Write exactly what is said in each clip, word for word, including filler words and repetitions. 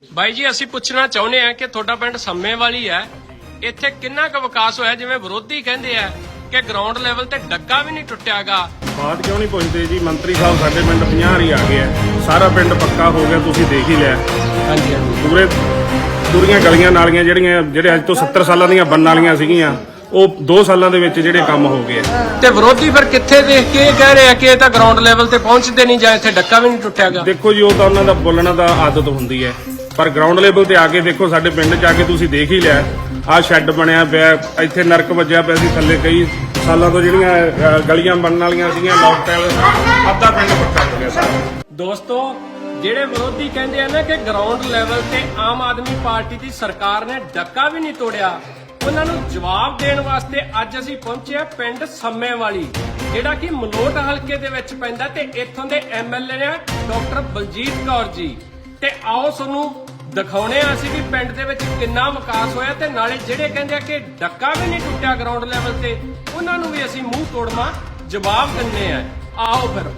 ਬਾਈ ਜੀ ਅਸੀਂ ਪੁੱਛਣਾ ਚਾਹੁੰਦੇ ਆ ਕਿ ਤੁਹਾਡਾ ਪਿੰਡ ਸੰਮੇ ਵਾਲੀ ਹੈ, ਇੱਥੇ ਕਿੰਨਾ ਕੁ ਵਿਕਾਸ ਹੋਇਆ? ਜਿਵੇਂ ਵਿਰੋਧੀ ਕਹਿੰਦੇ ਆ ਕਿ ਗਰਾਊਂਡ ਲੈਵਲ ਤੇ ਡੱਕਾ ਵੀ ਨਹੀਂ ਟੁੱਟਿਆਗਾ। ਬਾਤ ਕਿਉਂ ਨਹੀਂ ਪੁੱਛਦੇ ਜੀ? ਮੰਤਰੀ ਸਾਹਿਬ ਸਾਡੇ ਪਿੰਡ ਪੰਜਾਹ ਹੀ ਆ ਗਏ ਆ, ਸਾਰਾ ਪਿੰਡ ਪੱਕਾ ਹੋ ਗਿਆ, ਤੁਸੀਂ ਦੇਖ ਹੀ ਲਿਆ। ਹਾਂਜੀ ਹਾਂਜੀ ਪੂਰੇ ਪੂਰੀਆਂ ਗਲੀਆਂ ਨਾਲੀਆਂ ਜਿਹੜੀਆਂ ਜਿਹੜੇ ਅੱਜ ਤੋਂ ਸੱਤਰ ਸਾਲਾਂ ਦੀਆਂ ਬਣਨ ਵਾਲੀਆਂ ਸੀਗੀਆਂ ਉਹ ਦੋ ਸਾਲਾਂ ਦੇ ਵਿੱਚ ਜਿਹੜੇ ਕੰਮ ਹੋ ਗਏ। ਤੇ ਵਿਰੋਧੀ ਫਿਰ ਕਿੱਥੇ ਦੇਖ ਕੇ ਇਹ ਕਹਿ ਰਹੇ ਆ ਕਿ ਇਹ ਤਾਂ ਗਰਾਊਂਡ ਲੈਵਲ ਤੇ ਪਹੁੰਚਦੇ ਨਹੀਂ ਜਾਂ ਇੱਥੇ ਡੱਕਾ ਵੀ ਨਹੀਂ ਟੁੱਟਿਆਗਾ? ਦੇਖੋ ਜੀ, ਉਹ ਤਾਂ ਉਹਨਾਂ ਦਾ ਬੋਲਣ ਦਾ ਆਦਤ ਹੁੰਦੀ ਹੈ, ਪਰ ਗਰਾਊਂਡ ਲੈਵਲ ਤੇ ਆ ਕੇ ਦੇਖੋ, ਸਾਡੇ ਪਿੰਡ 'ਚ ਆ ਕੇ ਤੁਸੀਂ ਦੇਖ ਹੀ ਲਿਆ। ਆਹ ਸ਼ੈੱਡ ਬਣਿਆ ਪਿਆ, ਇੱਥੇ ਨਰਕ ਵੱਜਿਆ ਪਿਆ ਸੀ ਥੱਲੇ, ਕਈ ਸਾਲਾਂ ਤੋਂ ਜਿਹੜੀਆਂ ਗਲੀਆਂ ਬਣਨ ਵਾਲੀਆਂ ਸੀਗੀਆਂ ਲੋਕਟੈਲ, ਅੱਧਾ ਪਿੰਡ ਪੱਕਾ ਹੋ ਗਿਆ ਸਾਰਾ। ਦੋਸਤੋ, ਜਿਹੜੇ ਵਿਰੋਧੀ ਕਹਿੰਦੇ ਆ ਨਾ ਕਿ ਗਰਾਊਂਡ ਲੈਵਲ ਤੇ ਆਮ ਆਦਮੀ ਪਾਰਟੀ ਦੀ ਸਰਕਾਰ ਨੇ ਡੱਕਾ ਵੀ ਨਹੀਂ ਤੋੜਿਆ, ਉਹਨਾਂ ਨੂੰ ਜਵਾਬ ਦੇਣ ਵਾਸਤੇ ਅੱਜ ਅਸੀਂ ਪਹੁੰਚੇ ਆ ਪਿੰਡ ਸੰਮੇ ਵਾਲੀ, ਜਿਹੜਾ ਕਿ ਮਲੋਟ ਹਲਕੇ ਦੇ ਵਿੱਚ ਪੈਂਦਾ, ਤੇ ਇੱਥੋਂ ਦੇ ਐਮਐਲਏ ਨੇ ਡਾਕਟਰ ਬਲਜੀਤ ਕੌਰ ਜੀ। ਤੇ ਆਓ ਤੁਹਾਨੂੰ ਦਿਖਾਉਣੇ ਆ ਅਸੀਂ ਵੀ ਪਿੰਡ ਦੇ ਵਿੱਚ ਕਿੰਨਾ ਵਿਕਾਸ ਹੋਇਆ, ਤੇ ਨਾਲੇ ਜਿਹੜੇ ਕਹਿੰਦੇ ਆ ਕਿ ਡੱਕਾ ਵੀ ਨਹੀਂ ਟੁੱਟਿਆ ਗਰਾਊਂਡ ਲੈਵਲ ਤੇ, ਉਹਨਾਂ ਨੂੰ ਵੀ ਅਸੀਂ ਮੂੰਹ ਤੋੜਵਾ ਜਵਾਬ ਦਿੰਨੇ ਆ। ਆਓ ਫਿਰ।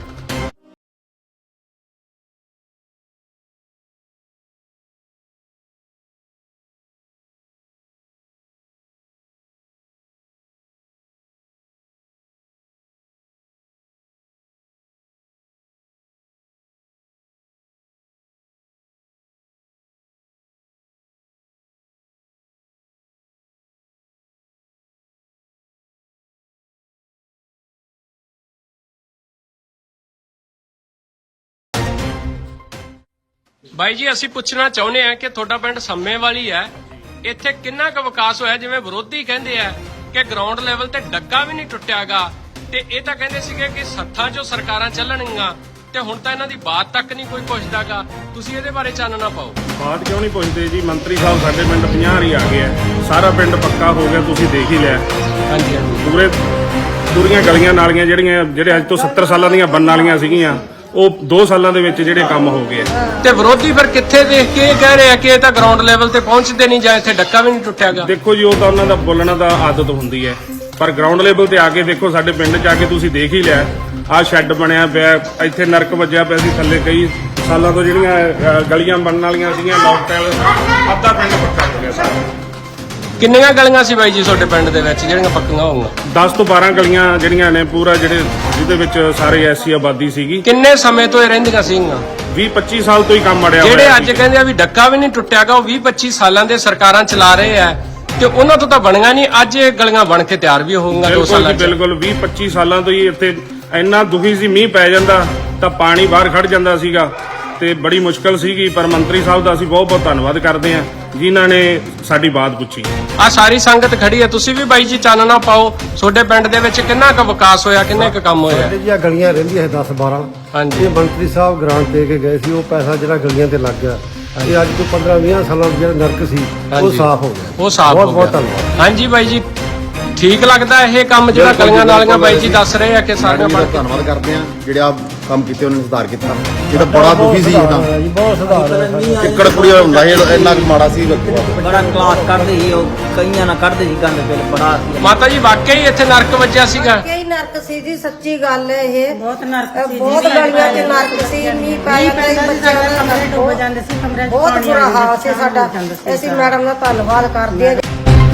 ਬਾਈ ਜੀ ਅਸੀਂ ਪੁੱਛਣਾ ਚਾਹੁੰਦੇ ਆ ਕਿ ਤੁਹਾਡਾ ਪਿੰਡ ਸੰਮੇ ਵਾਲੀ ਹੈ, ਇੱਥੇ ਕਿੰਨਾ ਕੁ ਵਿਕਾਸ ਹੋਇਆ? ਜਿਵੇਂ ਵਿਰੋਧੀ ਕਹਿੰਦੇ ਆ ਕਿ ਗਰਾਊਂਡ ਲੈਵਲ ਤੇ ਡੱਕਾ ਵੀ ਨਹੀਂ ਟੁੱਟਿਆਗਾ, ਤੇ ਇਹ ਤਾਂ ਕਹਿੰਦੇ ਸੀਗੇ ਕਿ ਸੱਥਾਂ 'ਚੋਂ ਸਰਕਾਰਾਂ ਚੱਲਣਗੀਆਂ, ਤੇ ਹੁਣ ਤਾਂ ਇਹਨਾਂ ਦੀ ਬਾਤ ਤੱਕ ਨਹੀਂ ਕੋਈ ਪੁੱਛਦਾਗਾ। ਤੁਸੀਂ ਇਹਦੇ ਬਾਰੇ ਚਾਨਣਾ ਪਾਓ। ਬਾਤ ਕਿਉਂ ਨਹੀਂ ਪੁੱਛਦੇ ਜੀ? ਮੰਤਰੀ ਸਾਹਿਬ ਸਾਡੇ ਪਿੰਡ ਪੰਜਾਹ ਹੀ ਆ ਗਏ ਆ, ਸਾਰਾ ਪਿੰਡ ਪੱਕਾ ਹੋ ਗਿਆ, ਤੁਸੀਂ ਦੇਖ ਹੀ ਲਿਆ। ਹਾਂਜੀ ਹਾਂਜੀ ਪੂਰੇ ਪੂਰੀਆਂ ਗਲੀਆਂ ਨਾਲੀਆਂ ਜਿਹੜੀਆਂ ਜਿਹੜੇ ਅੱਜ ਤੋਂ ਸੱਤਰ ਸਾਲਾਂ ਦੀਆਂ ਬਣਨ ਵਾਲੀਆਂ ਸੀਗੀਆਂ ਉਹ ਦੋ ਸਾਲਾਂ ਦੇ ਵਿੱਚ ਜਿਹੜੇ ਕੰਮ ਹੋ ਗਏ। ਤੇ ਵਿਰੋਧੀ ਫਿਰ ਕਿੱਥੇ ਦੇਖ ਕੇ ਇਹ ਕਹਿ ਰਹੇ ਆ ਕਿ ਇਹ ਤਾਂ ਗਰਾਊਂਡ ਲੈਵਲ ਤੇ ਪਹੁੰਚਦੇ ਨਹੀਂ ਜਾਂ ਇੱਥੇ ਡੱਕਾ ਵੀ ਨਹੀਂ ਟੁੱਟਿਆਗਾ? ਦੇਖੋ ਜੀ, ਉਹ ਤਾਂ ਉਹਨਾਂ ਦਾ ਬੋਲਣ ਦਾ ਆਦਤ ਹੁੰਦੀ ਹੈ, ਪਰ ਗਰਾਊਂਡ ਲੈਵਲ ਤੇ ਆ ਕੇ ਦੇਖੋ, ਸਾਡੇ ਪਿੰਡ 'ਚ ਆ ਕੇ ਤੁਸੀਂ ਦੇਖ ਹੀ ਲਿਆ। ਆਹ ਸ਼ੈੱਡ ਬਣਿਆ ਪਿਆ, ਇੱਥੇ ਨਰਕ ਵੱਜਿਆ ਪਿਆ ਸੀ ਥੱਲੇ, ਕਈ ਸਾਲਾਂ ਤੋਂ ਜਿਹੜੀਆਂ ਗਲੀਆਂ ਬਣਨ ਵਾਲੀਆਂ ਸੀਗੀਆਂ ਲੋਕਟੈਲ, ਅੱਧਾ ਪਿੰਡ ਪੱਕਾ ਹੋ ਗਿਆ ਸਾਰਾ। ਕਿੰਨੀਆਂ ਗਲੀਆਂ ਸੀ ਬਾਈ ਜੀ ਤੁਹਾਡੇ ਪਿੰਡ ਦੇ ਵਿੱਚ ਜਿਹੜੀਆਂ ਪੱਕੀਆਂ ਹੋਊਗੀਆਂ? ਦਸ ਤੋਂ ਬਾਰਾਂ ਗਲੀਆਂ ਜਿਹੜੀਆਂ ਨੇ, ਪੂਰਾ ਜਿਹੜੇ ਜਿਹਦੇ ਵਿੱਚ ਸਾਰੇ ਐਸੀ ਆਬਾਦੀ ਸੀਗੀ। ਕਿੰਨੇ ਸਮੇਂ ਤੋਂ ਇਹ ਰਹਿੰਦੀਆਂ ਸੀਗੀਆਂ? ਵੀਹ ਪੱਚੀ ਸਾਲ ਤੋਂ ਹੀ ਕੰਮ ਅੜਿਆ ਜਿਹੜੇ ਹੋਇਆ ਅੱਜ ਸੀ। ਕਹਿੰਦੇ ਆ ਵੀ ਡੱਕਾ ਵੀ ਨਹੀਂ ਟੁੱਟਿਆਗਾ, ਉਹ ਵੀਹ ਪੱਚੀ ਸਾਲਾਂ ਦੇ ਸਰਕਾਰਾਂ ਚਲਾ ਰਹੇ ਆ, ਤੇ ਉਹਨਾਂ ਤੋਂ ਤਾਂ ਬਣੀਆਂ ਨਹੀਂ। ਅੱਜ ਇਹ ਗਲੀਆਂ ਬਣ ਕੇ ਤਿਆਰ ਵੀ ਹੋਊਗੀਆਂ ਦੋ ਸਾਲਾਂ ਬਿਲਕੁਲ ਚ। ਬਿਲਕੁਲ ਵੀਹ ਪੱਚੀ ਸਾਲਾਂ ਤੋਂ ਹੀ ਇੱਥੇ ਇੰਨਾ ਦੁਖੀ ਸੀ, ਮੀਂਹ ਪੈ ਜਾਂਦਾ ਤਾਂ ਪਾਣੀ ਬਾਹਰ ਖੜ ਜਾਂਦਾ ਸੀਗਾ ਤੇ ਬੜੀ ਮੁਸ਼ਕਲ ਸੀਗੀ। ਪਰ ਮੰਤਰੀ ਸਾਹਿਬ ਦਾ ਅਸੀਂ ਬਹੁਤ ਬਹੁਤ ਧੰਨਵਾਦ ਕਰਦੇ ਹਾਂ ਜਿਨ੍ਹਾਂ ਨੇ ਸਾਡੀ ਬਾਤ ਪੁੱਛੀ। ਆ ਸਾਰੀ ਸੰਗਤ ਖੜੀ ਹੈ, ਤੁਸੀਂ ਵੀ ਬਾਈ ਜੀ ਚਾਨਣਾ ਪਾਓ, ਤੁਹਾਡੇ ਪਿੰਡ ਦੇ ਵਿੱਚ ਕਿੰਨਾ ਕੁ ਵਿਕਾਸ ਹੋਇਆ, ਕਿੰਨੇ ਕੁ ਕੰਮ ਹੋਇਆ? ਜੀ ਆ ਗਲੀਆਂ ਰਹਿੰਦੀਆਂ ਦਸ ਬਾਰਾਂ, ਹਾਂਜੀ। ਇਹ ਮੰਤਰੀ ਸਾਹਿਬ ਗ੍ਰਾਂਟ ਦੇ ਕੇ ਗਏ ਸੀ, ਉਹ ਪੈਸਾ ਜਿਹੜਾ ਗਲੀਆਂ ਤੇ ਲੱਗ ਗਿਆ, ਇਹ ਅੱਜ ਤੋਂ ਪੰਦਰਾਂ ਵੀਹ ਸਾਲਾਂ ਦਾ ਜਿਹੜਾ ਨਰਕ ਸੀ ਉਹ ਸਾਫ਼ ਹੋ ਗਿਆ। ਉਹ ਸਾਫ਼ ਬਹੁਤ ਹੋ ਬਹੁਤ ਗਿਆ। ਧੰਨਵਾਦ। ਹਾਂਜੀ ਬਾਈ ਜੀ, ਠੀਕ ਲੱਗਦਾ ਇਹ ਕੰਮ ਜਿਹੜਾ ਗਲੀਆਂ ਨਾਲੀਆਂ ਬਾਈ ਜੀ ਦੱਸ ਰਹੇ ਆ ਕਿ ਸਾਰੀਆਂ ਬਣ ਕੇ? ਧੰਨਵਾਦ ਕਰਦੇ ਆ ਜਿਹੜੇ ਆ ਕੰਮ ਕੀਤੇ, ਉਹਨਾਂ ਨੇ ਸੁਧਾਰ ਕੀਤਾ। ਇਹ ਤਾਂ ਬੜਾ ਦੁਖੀ ਸੀ, ਇਹ ਤਾਂ ਜੀ ਬਹੁਤ ਸੁਧਾਰ ਹੈ। ਚਿੱਕੜ ਕੁੜੀਆ ਹੁੰਦਾ ਸੀ, ਇੰਨਾ ਕੁ ਮਾੜਾ ਸੀ। ਬੜਾ ਕਲਾਸ ਕੱਢਦੇ ਸੀ ਉਹ, ਕਈਆਂ ਨਾਲ ਕੱਢਦੇ ਸੀ ਗੰਦ, ਫਿਰ ਬੜਾ ਮਾਤਾ ਜੀ ਵਾਕਈ ਇੱਥੇ ਨਰਕ ਵੱਜਿਆ ਸੀਗਾ? ਕਈ ਨਰਕ ਸੀ ਜੀ, ਸੱਚੀ ਗੱਲ ਹੈ ਇਹ। ਬਹੁਤ ਨਰਕ ਸੀ, ਬਹੁਤ ਗਲੀਆਂ 'ਚ ਨਰਕ ਸੀ, ਮੀਂਹ ਪਾਇਆ ਤੇ ਬੱਚਿਆਂ ਦਾ ਕਮਰੇ ਡੁੱਬ ਜਾਂਦੇ ਸੀ, ਕਮਰੇ 'ਚ ਬਹੁਤ ਪਾਣੀ ਬੁਰਾ ਆ ਜਾਂਦਾ ਹਾਲ ਸੀ ਸਾਡਾ। ਅਸੀਂ ਮੈਡਮ ਦਾ ਧੰਨਵਾਦ ਕਰਦੇ ਹਾਂ।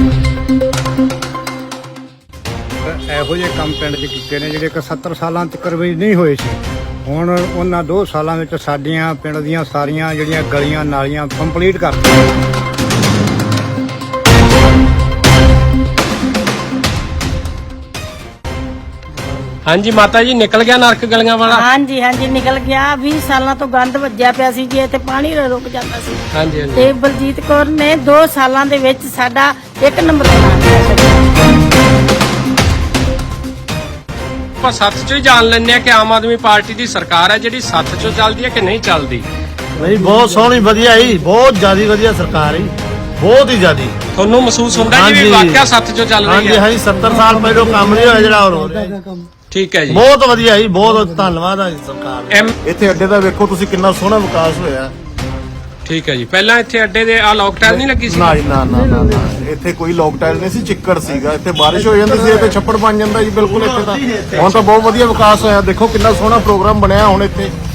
ਇਹੋ ਜਿਹੇ ਕੰਮ ਪਿੰਡ 'ਚ ਕੀਤੇ ਨੇ ਜਿਹੜੇ ਕਿ ਸੱਤਰ ਸਾਲਾਂ ਤੱਕ ਵੀ ਨਹੀਂ ਹੋਏ ਸੀ। ਹੁਣ ਉਹਨਾਂ ਦੋ ਸਾਲਾਂ ਵਿੱਚ ਸਾਡੀਆਂ ਪਿੰਡ ਦੀਆਂ ਸਾਰੀਆਂ ਜਿਹੜੀਆਂ ਗਲੀਆਂ ਨਾਲੀਆਂ ਕੰਪਲੀਟ ਕਰਤੀਆਂ। ਹਾਂਜੀ ਮਾਤਾ ਜੀ, ਨਿਕਲ ਗਿਆ ਨਰਕ ਗਲੀਆਂ ਵਾਲਾ? ਹਾਂਜੀ ਹਾਂਜੀ ਨਿਕਲ ਗਿਆ। ਵੀਹ ਸਾਲਾਂ ਤੋਂ ਗੰਦ ਵੱਜਿਆ ਪਿਆ ਸੀ ਜੀ, ਇੱਥੇ ਪਾਣੀ ਰੁਕ ਜਾਂਦਾ ਸੀ। ਹਾਂਜੀ ਹਾਂਜੀ। ਤੇ ਬਲਜੀਤ ਕੌਰ ਨੇ ਦੋ ਸਾਲਾਂ ਦੇ ਵਿੱਚ ਸਾਡਾ ਇੱਕ ਨੰਬਰ ਬਣਾ ਦਿੱਤਾ। ਆਪਾਂ ਸੱਥ ਚੋਂ ਹੀ ਜਾਣ ਲੈਂਦੇ ਆ ਕਿ ਆਮ ਆਦਮੀ ਪਾਰਟੀ ਦੀ ਸਰਕਾਰ ਹੈ ਜਿਹੜੀ ਸੱਥ ਚੋਂ ਚੱਲਦੀ ਹੈ ਕਿ ਨਹੀਂ ਚੱਲਦੀ? ਨਹੀਂ, ਬਹੁਤ ਸੋਹਣੀ ਵਧੀਆ ਹੀ, ਬਹੁਤ ਜ਼ਿਆਦਾ ਵਧੀਆ ਸਰਕਾਰ ਹੀ, ਬਹੁਤ ਹੀ ਜ਼ਿਆਦਾ। ਤੁਹਾਨੂੰ ਮਹਿਸੂਸ ਹੁੰਦਾ ਜੀ ਵੀ ਵਾਕਿਆ ਸੱਥ ਚੋਂ ਚੱਲ ਰਹੀ ਹਾਂਜੀ ਹੈ? ਹਾਂਜੀ, ਸੱਤਰ ਸਾਲ ਪਹਿਲਾਂ ਕੰਮ ਨਹੀਂ ਹੋਇਆ ਜਿਹੜਾ ਹੋ ਰਿਹਾ। ਠੀਕ ਹੈ ਜੀ, ਬਹੁਤ ਵਧੀਆ ਜੀ, ਬਹੁਤ ਧੰਨਵਾਦ ਹੈ ਸਰਕਾਰ ਦਾ। ਐਮ ਇੱਥੇ ਅੱਡੇ ਦਾ ਵੇਖੋ ਤੁਸੀਂ ਕਿੰਨਾ ਸੋਹਣਾ ਵਿਕਾਸ ਹੋਇਆ। ਠੀਕ ਹੈ ਜੀ। ਪਹਿਲਾਂ ਇੱਥੇ ਅੱਡੇ ਦੇ ਆ ਲੋਕਟਾਈਲ ਨਹੀਂ ਲੱਗੀ ਸੀ? ਨਾ ਜੀ, ਨਾ ਨਾ ਨਾ ਨਾ, ਇੱਥੇ ਕੋਈ ਲੋਕਟਾਈਲ ਨਹੀਂ ਸੀ, ਚਿੱਕੜ ਸੀਗਾ। ਇੱਥੇ ਬਾਰਿਸ਼ ਹੋ ਜਾਂਦੀ ਸੀ, ਇੱਥੇ ਛੱਪੜ ਬਣ ਜਾਂਦਾ ਜੀ। ਬਿਲਕੁਲ ਇੱਥੇ ਤਾਂ ਹੁਣ ਤਾਂ ਬਹੁਤ ਵਧੀਆ ਵਿਕਾਸ ਹੋਇਆ। ਦੇਖੋ ਕਿੰਨਾ ਸੋਹਣਾ ਪ੍ਰੋਗਰਾਮ ਬਣਿਆ ਹੁਣ ਇੱਥੇ।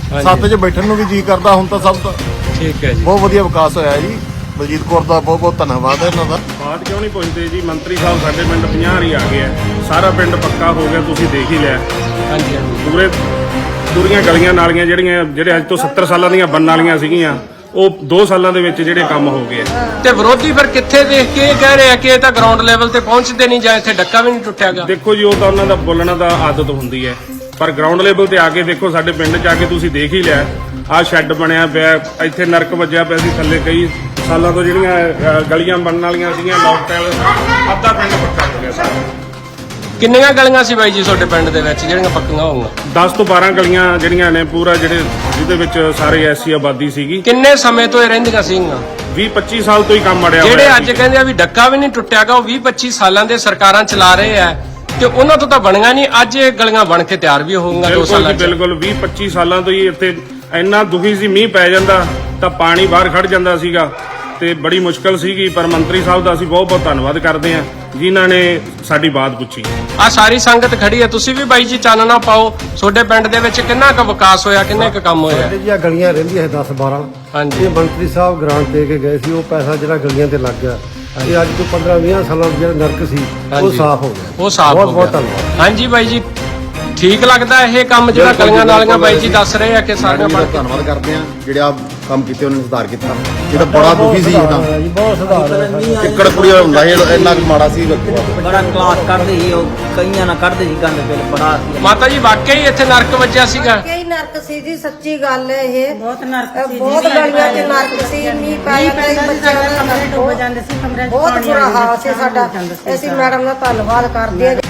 ਸੱਤ 'ਚ ਬੈਠਣ ਨੂੰ ਵੀ ਜੀ ਕਰਦਾ ਹੁਣ ਤਾਂ ਸਭ ਦਾ। ਠੀਕ ਹੈ ਜੀ। ਬਹੁਤ ਵਧੀਆ ਵਿਕਾਸ ਹੋਇਆ ਜੀ। ਬਲਜੀਤ ਕੌਰ ਦਾ ਬਹੁਤ ਬਹੁਤ ਧੰਨਵਾਦ ਹੈ ਇਹਨਾਂ ਦਾ। ਬਾਤ ਕਿਉਂ ਨਹੀਂ ਪੁੱਛਦੇ ਜੀ, ਮੰਤਰੀ ਸਾਹਿਬ ਸਾਡੇ ਪਿੰਡ ਪੰਜਾਹ ਵਾਰੀ ਆ ਗਏ ਆ, ਸਾਰਾ ਪਿੰਡ ਪੱਕਾ ਹੋ ਗਿਆ, ਤੁਸੀਂ ਦੇਖ ਹੀ ਲਿਆ। ਹਾਂਜੀ ਹਾਂਜੀ। ਪੂਰੇ ਪੂਰੀਆਂ ਗਲੀਆਂ ਨਾਲੀਆਂ ਜਿਹੜੀਆਂ ਜਿਹੜੇ ਅੱਜ ਤੋਂ ਸੱਤਰ ਸਾਲਾਂ ਦੀਆਂ ਬਣਨ ਵਾਲੀਆਂ ਸੀਗੀਆਂ, ਉਹ ਦੋ ਸਾਲਾਂ ਦੇ ਵਿੱਚ ਜਿਹੜੇ ਕੰਮ ਹੋ ਗਏ ਆ। ਤੇ ਵਿਰੋਧੀ ਫਿਰ ਕਿੱਥੇ ਦੇਖ ਕੇ ਇਹ ਕਹਿ ਰਹੇ ਆ ਕਿ ਇਹ ਤਾਂ ਗਰਾਊਂਡ ਲੈਵਲ ਤੇ ਪਹੁੰਚਦੇ ਨਹੀਂ ਜਾਂ ਇੱਥੇ ਡੱਕਾ ਵੀ ਨਹੀਂ ਟੁੱਟਿਆਗਾ? ਦੇਖੋ ਜੀ, ਉਹ ਤਾਂ ਉਹਨਾਂ ਦਾ ਬੋਲਣਾ ਦਾ ਆਦਤ ਹੁੰਦੀ ਹੈ, ਪਰ ਗਰਾਊਂਡ ਲੈਵਲ ਤੇ ਆ ਕੇ ਦੇਖੋ, ਸਾਡੇ ਪਿੰਡ 'ਚ ਆ ਕੇ ਤੁਸੀਂ ਦੇਖ ਹੀ ਲਿਆ। ਆਹ ਸ਼ੈੱਡ ਬਣਿਆ ਪਿਆ, ਇੱਥੇ ਨਰਕ ਵੱਜਿਆ ਪਿਆ ਸੀ ਥੱਲੇ, ਕਈ ਸਾਲਾਂ ਤੋਂ ਜਿਹੜੀਆਂ ਅ, ਗਲੀਆਂ ਬਣਨ ਵਾਲੀਆਂ ਸੀਗੀਆਂ, ਲੋਕ ਟਾਇਲ ਅੱਧਾ ਪਿੰਡ ਪੱਕਾ ਹੋ ਗਿਆ ਸਾਰਾ। ਕਿੰਨੀਆਂ ਗਲੀਆਂ ਸੀ ਬਾਈ ਜੀ ਤੁਹਾਡੇ ਪਿੰਡ ਦੇ ਵਿੱਚ ਜਿਹੜੀਆਂ ਪੱਕੀਆਂ ਹੋਊਗੀਆਂ? ਦਸ ਤੋਂ ਬਾਰਾਂ ਗਲੀਆਂ ਜਿਹੜੀਆਂ ਨੇ, ਪੂਰਾ ਜਿਹੜੇ ਜਿਹਦੇ ਵਿੱਚ ਸਾਰੇ ਐਸੀ ਆਬਾਦੀ ਸੀਗੀ। ਕਿੰਨੇ ਸਮੇਂ ਤੋਂ ਇਹ ਰਹਿੰਦੀਆਂ ਸੀਗੀਆਂ? ਵੀਹ ਪੱਚੀ ਸਾਲ ਤੋਂ ਹੀ ਕੰਮ ਅੜਿਆ ਹੋਇਆ ਜਿਹੜੇ ਅੱਜ ਸੀ। ਕਹਿੰਦੇ ਆ ਵੀ ਡੱਕਾ ਵੀ ਨਹੀਂ ਟੁੱਟਿਆਗਾ, ਉਹ ਵੀਹ ਪੱਚੀ ਸਾਲਾਂ ਦੇ ਸਰਕਾਰਾਂ ਚਲਾ ਰਹੇ ਆ ਤੇ ਉਹਨਾਂ ਤੋਂ ਤਾਂ ਬਣੀਆਂ ਨਹੀਂ। ਅੱਜ ਇਹ ਗਲੀਆਂ ਬਣ ਕੇ ਤਿਆਰ ਵੀ ਹੋਊਗੀਆਂ ਦੋ ਬਿਲਕੁਲ ਸਾਲਾਂ ਜੀ, ਚ। ਬਿਲਕੁਲ ਵੀਹ ਪੱਚੀ ਸਾਲਾਂ ਤੋਂ ਹੀ ਇੱਥੇ ਇੰਨਾ ਦੁਖੀ ਸੀ, ਮੀਂਹ ਪੈ ਜਾਂਦਾ ਤਾਂ ਪਾਣੀ ਬਾਹਰ ਖੜ ਜਾਂਦਾ ਸੀਗਾ ਤੇ ਬੜੀ ਮੁਸ਼ਕਲ ਸੀਗੀ। ਪਰ ਮੰਤਰੀ ਸਾਹਿਬ ਦਾ ਅਸੀਂ ਬਹੁਤ ਬਹੁਤ ਧੰਨਵਾਦ ਕਰਦੇ ਹਾਂ ਜਿਨ੍ਹਾਂ ਨੇ ਸਾਡੀ ਬਾਤ ਪੁੱਛੀ। ਆ ਸਾਰੀ ਸੰਗਤ ਖੜੀ ਹੈ, ਤੁਸੀਂ ਵੀ ਬਾਈ ਜੀ ਚਾਨਣਾ ਪਾਓ, ਤੁਹਾਡੇ ਪਿੰਡ ਦੇ ਵਿੱਚ ਕਿੰਨਾ ਕੁ ਵਿਕਾਸ ਹੋਇਆ, ਕਿੰਨੇ ਕੁ ਕੰਮ ਹੋਇਆ? ਸਾਡੇ ਜਿਹੜੀਆਂ ਗਲੀਆਂ ਰਹਿੰਦੀਆਂ ਦਸ ਬਾਰਾਂ, ਹਾਂਜੀ ਇਹ ਮੰਤਰੀ ਸਾਹਿਬ ਗ੍ਰਾਂਟ ਦੇ ਕੇ ਗਏ ਸੀ, ਉਹ ਪੈਸਾ ਜਿਹੜਾ ਗਲੀਆਂ ਤੇ ਲੱਗ ਗਿਆ, ਇਹ ਅੱਜ ਤੋਂ ਪੰਦਰਾਂ ਵੀਹ ਸਾਲਾਂ ਦਾ ਜਿਹੜਾ ਨਰਕ ਸੀ ਉਹ ਹਾਂਜੀ। ਸਾਫ਼ ਹੋ ਗਿਆ। ਉਹ ਸਾਫ਼ ਬਹੁਤ ਹੋ ਬਹੁਤ ਗਿਆ। ਧੰਨਵਾਦ। ਹਾਂਜੀ ਬਾਈ ਜੀ, ਠੀਕ ਲੱਗਦਾ ਇਹ ਕੰਮ ਜਿਹੜਾ ਬਿਲਕੁਲ ਜੀ, ਗਲੀਆਂ ਨਾਲੀਆਂ ਬਿਲਕੁਲ ਬਾਈ ਜੀ ਦੱਸ ਰਹੇ ਆ ਕਿ ਸਾਰੀਆਂ ਬਣ ਕੇ? ਧੰਨਵਾਦ ਕਰਦੇ ਆ ਜਿਹੜੇ ਆ ਕੰਮ ਕੀਤੇ ਉਹਨਾਂ ਨੇ ਸੁਧਾਰ ਕੀਤਾ। ਇਹ ਤਾਂ ਬੜਾ ਦੁਖੀ ਸੀ ਇਹਦਾ ਜੀ ਬਹੁਤ ਸੁਧਾਰ ਹੋਇਆ। ਚਿੱਕੜ ਕੁੜੀ ਹੁੰਦਾ ਸੀ, ਇਹ ਇੰਨਾ ਕੁ ਮਾੜਾ ਸੀ। ਬੜਾ ਕਲਾਸ ਕੱਢਦੇ ਸੀ ਉਹ, ਕਈਆਂ ਨਾਲ ਕੱਢਦੇ ਸੀ ਗੰਦ ਬਿਲ ਬੜਾ ਸੀ। ਮਾਤਾ ਜੀ ਵਾਕਈ ਇੱਥੇ ਨਰਕ ਵੱਜਿਆ ਸੀਗਾ? ਕਈ ਨਰਕ ਸੀ ਜੀ, ਸੱਚੀ ਗੱਲ ਹੈ ਇਹ। ਬਹੁਤ ਨਰਕ ਸੀ ਬਹੁਤ ਗਲੀਆਂ 'ਚ ਨਰਕ ਸੀ, ਮੀਂਹ ਪਾਇਆ ਕਈ ਬੱਚਿਆਂ ਦਾ ਕਮਰੇ ਡੁੱਬ ਜਾਂਦੇ ਸੀ, ਕਮਰੇ 'ਚ ਬਹੁਤ ਪਾਣੀ ਬੁਰਾ ਆ ਜਾਂਦਾ ਹਾਲ ਸੀ ਸਾਡਾ। ਅਸੀਂ ਮੈਡਮ ਦਾ ਧੰਨਵਾਦ ਕਰਦੇ ਹਾਂ।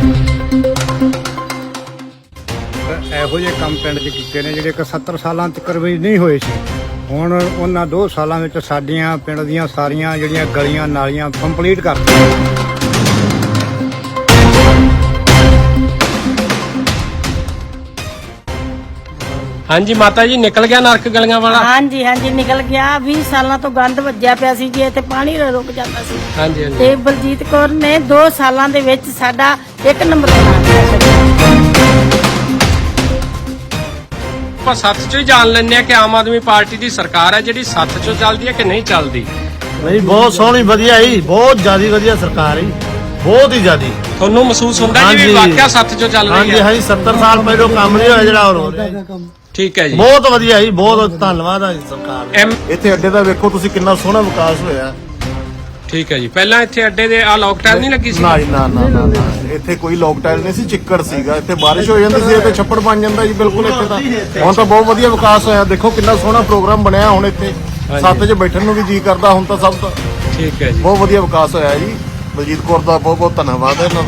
ਇਹੋ ਜਿਹੇ ਕੰਮ ਪਿੰਡ 'ਚ ਕੀਤੇ ਨੇ ਜਿਹੜੇ ਕਿ ਸੱਤਰ ਸਾਲਾਂ ਤੱਕ ਵੀ ਨਹੀਂ ਹੋਏ ਸੀ। ਹੁਣ ਉਹਨਾਂ ਦੋ ਸਾਲਾਂ ਵਿੱਚ ਸਾਡੀਆਂ ਪਿੰਡ ਦੀਆਂ ਸਾਰੀਆਂ ਜਿਹੜੀਆਂ ਗਲੀਆਂ ਨਾਲੀਆਂ ਕੰਪਲੀਟ ਕਰਤੀਆਂ। ਹਾਂਜੀ ਮਾਤਾ ਜੀ, ਨਿਕਲ ਗਿਆ ਨਰਕ ਗਲੀਆਂ ਵਾਲਾ? ਹਾਂਜੀ ਹਾਂਜੀ ਨਿਕਲ ਗਿਆ। ਵੀਹ ਸਾਲਾਂ ਤੋਂ ਗੰਦ ਵੱਜਿਆ ਪਿਆ ਸੀ ਜੀ, ਇੱਥੇ ਪਾਣੀ ਰੁਕ ਜਾਂਦਾ ਸੀ। ਹਾਂਜੀ ਹਾਂਜੀ। ਤੇ ਬਲਜੀਤ ਕੌਰ ਨੇ ਦੋ ਸਾਲਾਂ ਦੇ ਵਿੱਚ ਸਾਡਾ ਇੱਕ ਨੰਬਰ ਬਣਾ ਦਿੱਤਾ। ਆਪਾਂ ਸੱਤ ਚੋਂ ਹੀ ਜਾਣ ਲੈਂਦੇ ਆ ਕਿ ਆਮ ਆਦਮੀ ਪਾਰਟੀ ਦੀ ਸਰਕਾਰ ਹੈ ਜਿਹੜੀ ਸੱਤ ਚੋਂ ਚੱਲਦੀ ਹੈ ਕਿ ਨਹੀਂ ਚੱਲਦੀ? ਨਹੀਂ, ਬਹੁਤ ਸੋਹਣੀ ਵਧੀਆ ਜੀ, ਬਹੁਤ ਜ਼ਿਆਦਾ ਵਧੀਆ ਸਰਕਾਰ ਜੀ, ਬਹੁਤ ਹੀ ਜ਼ਿਆਦੀ। ਤੁਹਾਨੂੰ ਮਹਿਸੂਸ ਹੁੰਦਾ ਜੀ ਵੀ ਵਾਕਿਆ ਸੱਤ ਚੋਂ ਚੱਲ ਰਹੀ ਹਾਂਜੀ ਹੈ? ਹਾਂਜੀ, ਸੱਤਰ ਸਾਲ ਪਹਿਲਾਂ ਕੰਮ ਨਹੀਂ ਹੋਇਆ ਜਿਹੜਾ ਹੋਰ ਹੋ ਰਿਹਾ ਜੀ। ਠੀਕ ਹੈ ਜੀ। ਬਹੁਤ ਵਧੀਆ ਜੀ, ਬਹੁਤ ਧੰਨਵਾਦ ਹੈ ਜੀ ਸਰਕਾਰ ਦਾ। ਐਮ ਇੱਥੇ ਅੱਡੇ ਦਾ ਵੇਖੋ ਤੁਸੀਂ ਕਿੰਨਾ ਸੋਹਣਾ ਵਿਕਾਸ ਹੋਇਆ। ਠੀਕ ਹੈ ਜੀ। ਪਹਿਲਾਂ ਇੱਥੇ ਅੱਡੇ ਦੇ ਆ ਲੋਕ ਟਾਈਮ ਨਹੀਂ ਲੱਗੀ ਸੀ? ਨਾ ਜੀ, ਨਾ ਨਾ ਨਾ ਨਾ। ਇੱਥੇ ਕੋਈ ਲੋਕ ਟਾਇਲ ਨਹੀਂ ਸੀ, ਚਿੱਕੜ ਸੀਗਾ। ਇੱਥੇ ਬਾਰਿਸ਼ ਹੋ ਜਾਂਦੀ ਸੀ ਤੇ ਛੱਪੜ ਬਣ ਜਾਂਦਾ ਜੀ ਬਿਲਕੁਲ ਇੱਥੇ ਤਾਂ। ਹੁਣ ਤਾਂ ਬਹੁਤ ਵਧੀਆ ਵਿਕਾਸ ਹੋਇਆ। ਦੇਖੋ ਕਿੰਨਾ ਸੋਹਣਾ ਪ੍ਰੋਗਰਾਮ ਬਣਿਆ ਹੁਣ ਇੱਥੇ। ਸੱਤ 'ਚ ਬੈਠਣ ਨੂੰ ਵੀ ਜੀ ਕਰਦਾ ਹੁਣ ਤਾਂ ਸਭ ਦਾ। ਠੀਕ ਹੈ ਜੀ। ਬਹੁਤ ਵਧੀਆ ਵਿਕਾਸ ਹੋਇਆ ਜੀ। ਬਲਜੀਤ ਕੌਰ ਦਾ ਬਹੁਤ ਬਹੁਤ ਧੰਨਵਾਦ ਹੈ ਇਹਨਾਂ ਦਾ।